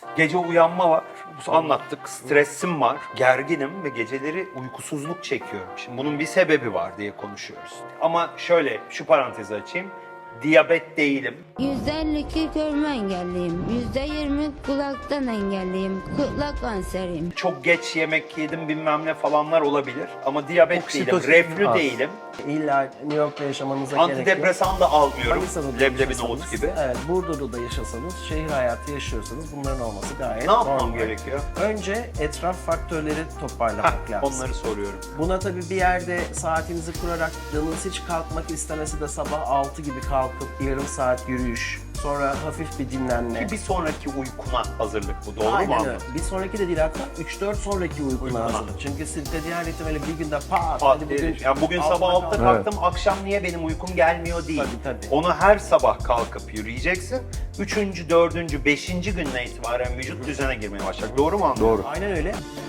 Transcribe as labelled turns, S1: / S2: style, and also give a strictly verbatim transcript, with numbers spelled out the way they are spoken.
S1: Gece uyanma var. Bu anlattık. Stresim var. Gerginim ve geceleri uykusuzluk çekiyorum. Şimdi bunun bir sebebi var diye konuşuyoruz. Ama şöyle şu parantezi açayım. Diyabet değilim.
S2: yüzde elli iki görme engelliyim. yüzde yirmi kulaktan engelliyim. Kulak kanseriyim.
S1: Çok geç yemek yedim bilmem ne falanlar olabilir. Ama diyabet değilim.
S3: Oksitosin
S1: Reflü
S3: az.
S1: değilim.
S3: İlla New York'ta yaşamanıza gerek yok.
S1: Antidepresan da almıyorum.
S3: Manisa'da da
S1: Leblebi
S3: yaşasanız,
S1: nohut gibi.
S3: Evet, Burdur'da da yaşasanız, şehir hayatı yaşıyorsanız bunların olması gayet
S1: Ne yapmam
S3: normal.
S1: gerekiyor?
S3: Önce etraf faktörleri toparlamak
S1: Heh,
S3: lazım.
S1: onları soruyorum.
S3: Buna tabii bir yerde saatinizi kurarak canınız hiç kalkmak istemesi de sabah altı gibi kalkıp yarım saat yürüyüş, sonra hafif bir dinlenme.
S1: Bir sonraki uykuna hazırlık bu. Doğru mu
S3: Aynen öyle.
S1: anladım?
S3: Bir sonraki de değil, hatta üç dört sonraki uykuna
S1: Uykuna.
S3: hazırlık. Çünkü sirkadiyen ritim öyle bir günde pat,
S1: Pat
S3: hadi
S1: bugün,
S3: bugün,
S1: yani bugün
S3: altıda
S1: sabah altıda
S3: kalk.
S1: kalktım, akşam niye benim uykum gelmiyor değil.
S3: Tabii, tabii.
S1: Onu her sabah kalkıp yürüyeceksin. Üçüncü, dördüncü, beşinci günden itibaren vücut düzene girmeye başlayacak. Doğru mu anladım?
S4: Doğru.
S3: Aynen öyle.